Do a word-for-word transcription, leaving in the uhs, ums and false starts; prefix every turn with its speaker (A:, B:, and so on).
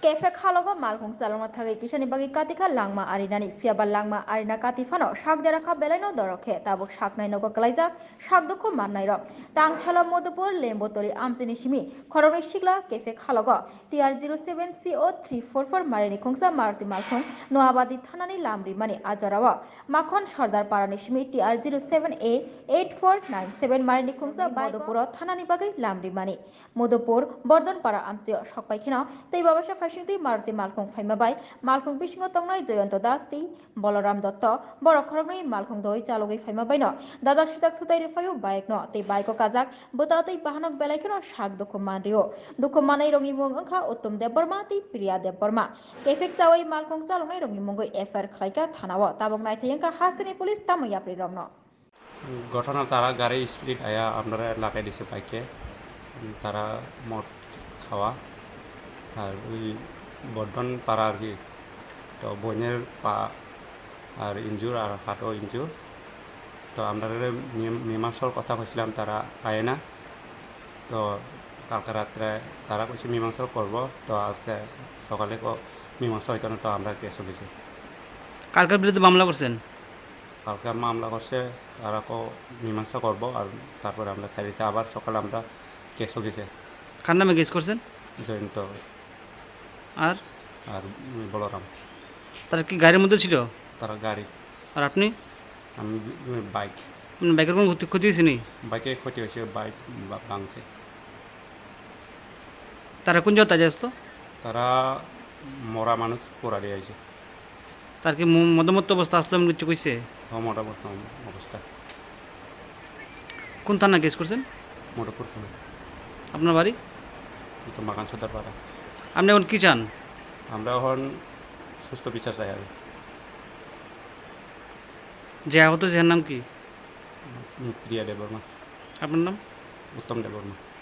A: Kefe khalogo malkhung salonga thagi kisani bagi katika langma arinani fiaba langma arina katifano shakdera kha belaino dorokhe tabuk shaknai nogo kalaija shakdukho mannai rok tangchala modupur lembotoli amchini simi khoroni shikla kefe khalogo T R zero seven C O three four four marini khungsa maruti malkhung noabadi thanani lamri mani ajarawa makhon sardar parani simi T R zero seven A eight four nine seven marini khungsa modupur thanani bagi lamri mani modupur bordonpara amchio shokpaikhina tei babasa Shinti Maruti Malkhung Phaimabai, Malkhung Bishingo Tongnai Joyanto Dasti, Bolaram Dotto, Borokhorogni Malkhung Doi Chalogi Phaimabaino, Dada Sitak Thutai Rifayu Baikno, Tei Baiko Kazak, Butatei Bahanok Belaikino Shak Dukumanrio, Dukumanai Rongi Mung Angka Uttum Deborma, Ti Priya Deborma, Kefik Sawai Malkhung Salongai Rongi Mungo F R Klaika Thanawa, Tabok Naithiyanka Hastani Police Tamayapri Romno.
B: ঘটনা তারা গাড়ি speed আয়া আপনারা লাগাই দিছে বাইকে তারা মদ খাওয়া আর ওই বর্ধন পাড়া আর কি তো বোনের পা আর ইনজুর আর হাতও ইনজুর তো আমরা মীমাংসার কথা কইছিলাম তারা আয় না তো কালকে রাত্রে তারা কইছে মীমাংসা করব তো আজকে সকালে মীমাংসা হইতো না তো আমরা কেস হয়েছি।
C: কালকের বিরুদ্ধে মামলা করছেন?
B: কালকে মামলা করছে তারা কো মীমাংসা করবো আর তারপরে আমরা ছাড়িয়েছি আবার সকালে আমরা কেস হয়েছে।
C: কার নামে কেস করছেন?
B: জয়ন্ত
C: আর
B: আর বলরাম।
C: তারা কি গাড়ির মধ্যে ছিল?
B: তারা গাড়ি।
C: আর আপনি?
B: আমি বাইক।
C: বাইকের কোনো ক্ষতি ক্ষতি হয়েছে নি?
B: বাইকে ক্ষতি হয়েছে, বাইক ভাঙছে।
C: তারা কোন জায়গায় তাজা আসতো?
B: তারা মরা মানুষ পোড়া দিয়ে আছে।
C: তার কি মদমত্ত অবস্থা আসলাম কিছু কইছে?
B: হ্যাঁ মোটামুটি অবস্থা।
C: কোন থানা কেস করছেন?
B: মোটরপুর থানা।
C: আপনার বাড়ি?
B: তো মাকান সর্দার পাড়া।
C: আপনি এখন কী চান?
B: আমরা এখন সুস্থ বিচার চাই। আর
C: যে আহত যে নাম কি?
B: প্রিয়া দেববর্মা।
C: আপনার নাম?
B: উত্তম দেববর্মা।